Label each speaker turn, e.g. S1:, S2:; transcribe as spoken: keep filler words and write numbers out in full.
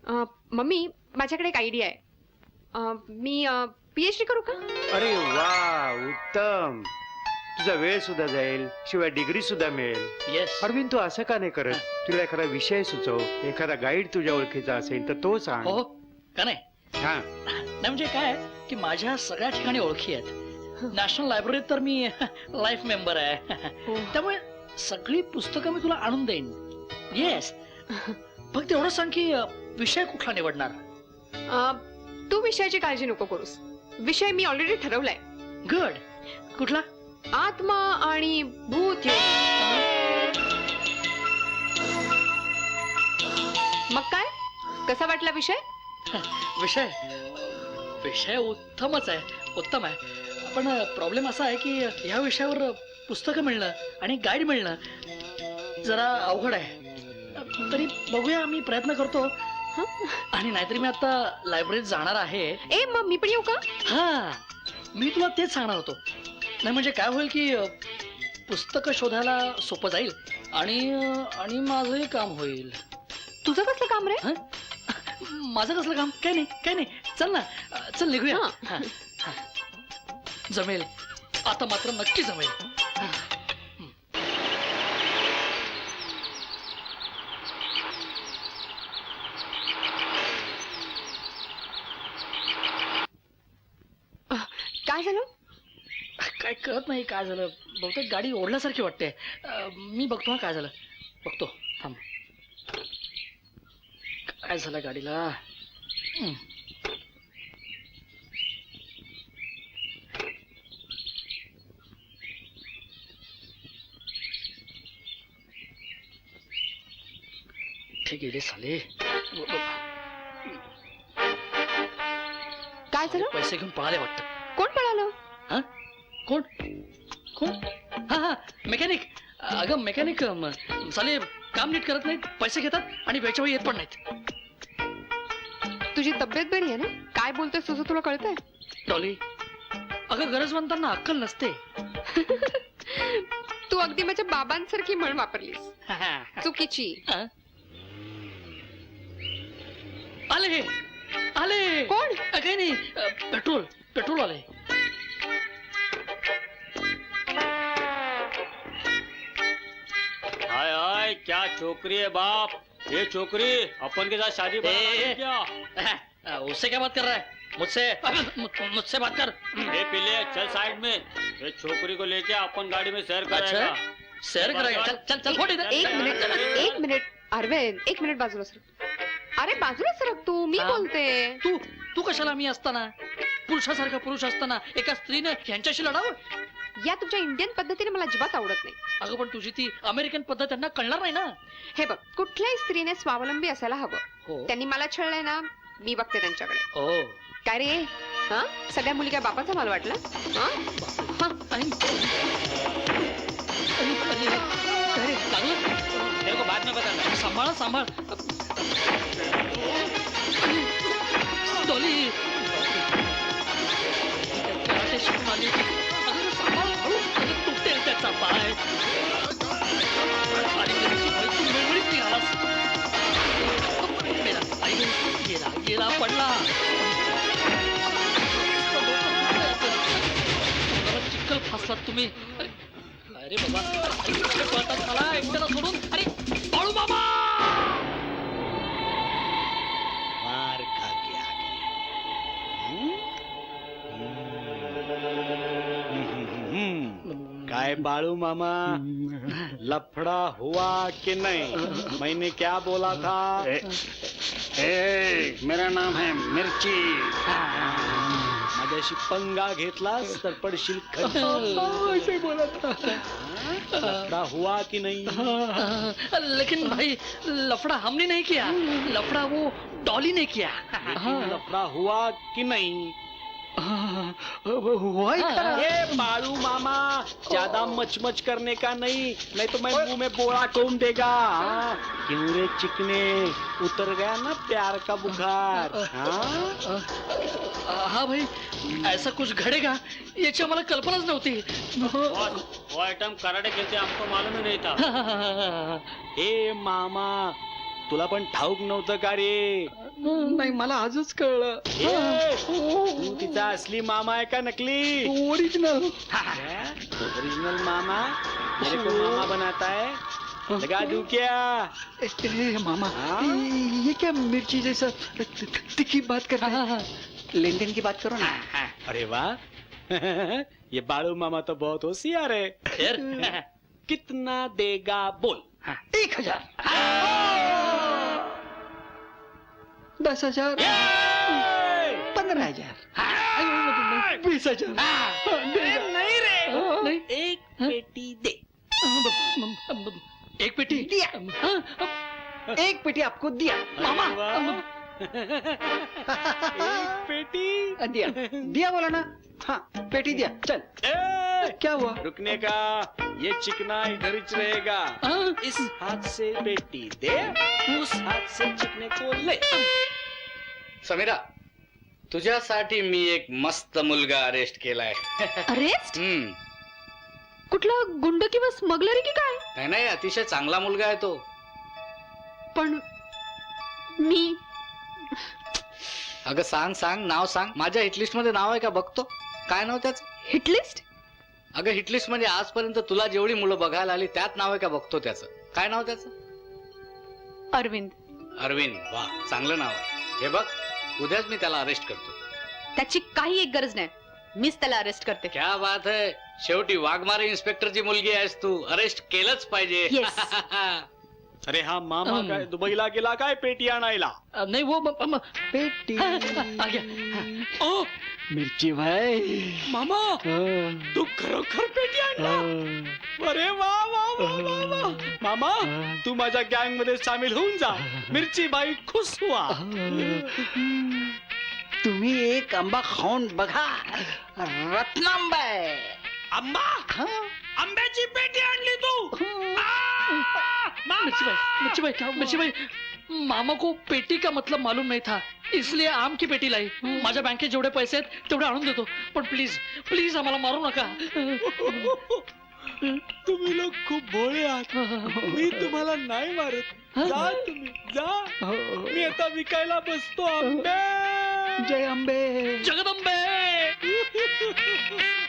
S1: अ, mummy माझ्याकडे एक idea आहे. अ, मी पीएचडी करू का?
S2: अरे वा, उत्तम. तुझा वेळ सुद्धा जाईल, शिवाय डिग्री सुद्धा मिळेल.
S3: येस.
S2: अरविंद, तू असं का नाही करत? तुला एखादा विषय सुचव, एखादा गाईड तुझ्या ओळखीचा असेल तर तो सांग.
S3: हो का नाही?
S2: हा.
S3: नाही म्हणजे काय की माझ्या सगळ्या ठिकाणी ओळखी आहेत. नॅशनल लायब्ररीत तर मी लाईफ मेंबर आहे.
S1: हो.
S3: त्यामुळे सगळी पुस्तकं मी तुला आणून देईन. येस. फक्त एवढं सांग की अ, विषय कुठला निवडणार?
S1: अ, तू विषयाची काळजी नको करूस. विषय मी ऑलरेडी ठरवलाय.
S3: गुड. कुठला?
S1: आत्मा आणि भूत योग. मग काय, कसा वाटला विषय?
S3: विषय विषय उत्तमच आहे, उत्तम आहे. पण प्रॉब्लेम असा आहे की ह्या विषयावर पुस्तकं मिळणं आणि गाईड मिळणं जरा अवघड आहे. तरी बघूया, मी प्रयत्न करतो. आणि नाहीतरी मी आता लायब्ररीत जाणार आहे.
S1: ए मग मी पण येऊ का?
S3: हा, मी तुला तेच सांगणार होतो. नाही म्हणजे काय होईल की पुस्तकं शोधायला सोपं जाईल आणि आणि माझंही काम होईल.
S1: तुझं कसलं काम रे?
S3: हं? माझं कसलं काम? काय नाही, काय नाही. चल ना, चल निघूया.
S1: हा.
S3: हा, हा. जमेल, आता मात्र नक्की जमेल. हा.
S1: काय झालं?
S3: काय कळत नाही काय झालं. बहुतेक गाडी ओढल्यासारखी वाटते. अं, मी बघतो हा काय झालं. बघतो, थांब. काय झालं गाडीला? हं. ठीक गेले साले.
S1: काय झालं?
S3: पैसे घेऊन पळाले वाटतं.
S1: कोण पळालं?
S3: हा? कोण कोण? हा हा मेकॅनिक. अगं मेकॅनिक म, साले काम नीट करत नाहीत, पैसे घेतात आणि वेळच्या वेळी येत पण नाहीत.
S1: तुझी तब्येत बरी आहे ना? काय बोलतोय तुझं तुला कळतंय?
S3: डॉली, अगं गरजवंतांना अक्कल नसते.
S1: तू अगदी माझ्या बाबांसारखी म्हण वापरलीस. चुकीची.
S3: हा? आले आले.
S1: कोण?
S3: अ, काही नाही, अ, पेट्रोल पेट्रोल आले.
S4: हाय हाय, क्या छोकरी है बाप. ये छोकरी अपन के साथ शादी
S3: ए, ए,
S4: क्या?
S3: अ, उससे क्या बात कर रहा है? मुझसे मु- मुझसे बात कर.
S4: ये पिले चल साइड में. ये छोकरी को लेके अपन गाड़ी में सैर
S3: अच्छा,
S4: करेगा.
S3: शेअर करायला. चल चल चल, फोड इथं.
S1: एक मिनिट एक मिनिट अरविंद, एक मिनिट बाजूला सरक. अरे बाजूला सरक तू, मी
S3: हा.
S1: बोलते.
S3: तू तू कशाला मी असताना, पुरुषासारखा पुरुष असताना एका स्त्रीने ह्यांच्याशी लढावं?
S1: या तुमच्या इंडियन पद्धतीने मला अजिबात आवडत नाही.
S3: अगं पण तुझी ती अमेरिकन पद्धत त्यांना कळणार नाही ना.
S1: हे बघ, कुठल्याही स्त्रीने स्वावलंबी असायला हवं.
S3: हो
S1: त्यांनी मला छळलंय ना, मी बघते त्यांच्याकडे.
S3: हो.
S1: काय रे, हा सगळ्या मुली काय बापाचा माल वाटला? हा? हा.
S3: आणि अरे, अरे, काय रे, लागलं?
S4: तेरे को बाद में बताना.
S3: सांभाळ सांभाळ. डॉली कराटे शिकून आली. अगं सांभाळ, हळू. अगं तुटेल त्याचा पाय. आणि त्याची बायको मेळमेळीत निघालास. मेला, आई गं, गेला गेला पडला. मला चिखल फासलात तुम्ही. अरे बाबा, अरे कुठे पळतात मला एकट्याला सोडून. अरे बाळू मामा.
S2: मार खा के आ गए. काय बाळू मामा, लफड़ा हुआ कि नहीं? मैंने क्या बोला था? ए, ए, मेरा नाम है मिर्ची. माझ्याशी पंगा घेतलास तर पडशील खाली. लफड़ा हुआ कि नहीं?
S3: लेकिन भाई लफड़ा हमने नहीं किया, लफड़ा वो डॉली ने किया.
S2: लफड़ा हुआ कि नहीं?
S3: हुआ
S2: ये बाळू मामा, ज्यादा मचमच करने का नहीं, नहीं तो मैं मुंह में बोला कौन देगा. हाँ? क्यों रे चिकने, उतर गया ना प्यार का बुखार. हाँ?
S3: हाँ भाई, ऐसा कुछ घडेगा याची आम्हाला कल्पनाच नव्हती.
S4: वो आइटम कराटे खेलते हमको मालूम ही नहीं था.
S2: ए मामा, तुला पण ठाऊक नव्हतं का रे?
S3: नाही मला आजच कळलं.
S2: ए, तू तिचा असली मामा आहे का नकली?
S3: ओरिजिनल.
S2: ओरिजिनल मामा मेरे को मामा बनाता है, लगा दूं क्या?
S3: मामा
S2: हाँ?
S3: ये क्या मिर्ची जैसा तिखी बात कर रहा है? लेन देन की बात करो ना.
S2: अरे वाह ये बाळू मामा तो बहुत होशियार है.
S3: फिर
S2: कितना देगा बोल.
S3: एक हजार. दस हजार. पंद्रह हजार. बीस हजार.
S2: नहीं रे,
S3: नहीं.
S2: एक पेटी दे.
S3: एक पेटी
S5: दिया. एक पेटी आपको दिया.
S3: मामा.
S2: एक पेटी
S5: दिया दिया बोला ना. हाँ पेटी दिया. चल.
S2: ए,
S5: क्या हुआ?
S2: रुकने का. ये चिकना इधर ही रहेगा. इस हाथ से पेटी दे, उस हाथ से चिकने को ले.
S6: समीरा तुझ्यासाठी मी एक मस्त मुलगा अरेस्ट केलाय.
S1: अरेस्ट?
S6: हम्म
S1: कुठला गुंड किंवा स्मगलर की काय?
S6: नाही नाही अतिशय चांगला मुलगा आहे तो.
S1: पण मी
S6: अगं सांग सांग नाव सांग. माझ्या हिटलिस्ट मध्ये नाव आहे का बघतो. काय नाव त्याचं?
S1: हिटलिस्ट?
S6: अगं हिटलिस्ट म्हणजे आजपर्यंत तुला जेवढी मुलं बघायला आली त्यात नाव आहे का बघतो त्याचं. काय नाव त्याचं?
S1: अरविंद.
S6: अरविंद. वा चांगलं नाव आहे. हे बघ उद्याच मी त्याला अरेस्ट करतो.
S1: त्याची काही एक गरज नाही, मीच त्याला अरेस्ट करते.
S6: क्या बात आहे. शेवटी वाघमारे इन्स्पेक्टरची मुलगी आहेस तू. अरेस्ट केलंच पाहिजे.
S1: Yes.
S2: अरे हा मामा
S3: अं.
S2: काय दुबईला गेला काय पेटी आणायला?
S3: नहीं वो म- म-
S5: पेटी.
S3: आ गया.
S2: ओ
S5: मिर्ची भाई.
S2: मामा तू खरोखर पेटी आणला? अरे वा वा वा वा वा. मामा तू माझ्या गँग मध्ये सामील होऊन जा. मिरची बाई खुश हुआ.
S5: तुम्ही एक आंबा खाऊन बघा. रत्नांबा आहे.
S2: आंबा?
S5: हाँ.
S2: आंब्याची पेटी आणली तू?
S3: मिर्ची भाई मिर्ची भाई क्या मिर्ची भाई मामा को पेटी का मतलब मालूम नहीं था इसलिए आम की पेटी लाई. माझ्या बँकेत जेवढे पैसे आहेत तेवढे आणून देतो पण प्लीज प्लीज आम्हाला मारू नका.
S2: तुम्ही लोक खूप भोळे आहात. मी तुम्हाला नाही मारत. जा तुम्ही जा. मी आता विकायला बसतो आंबे.
S5: जय अंबे.
S3: जगदंबे.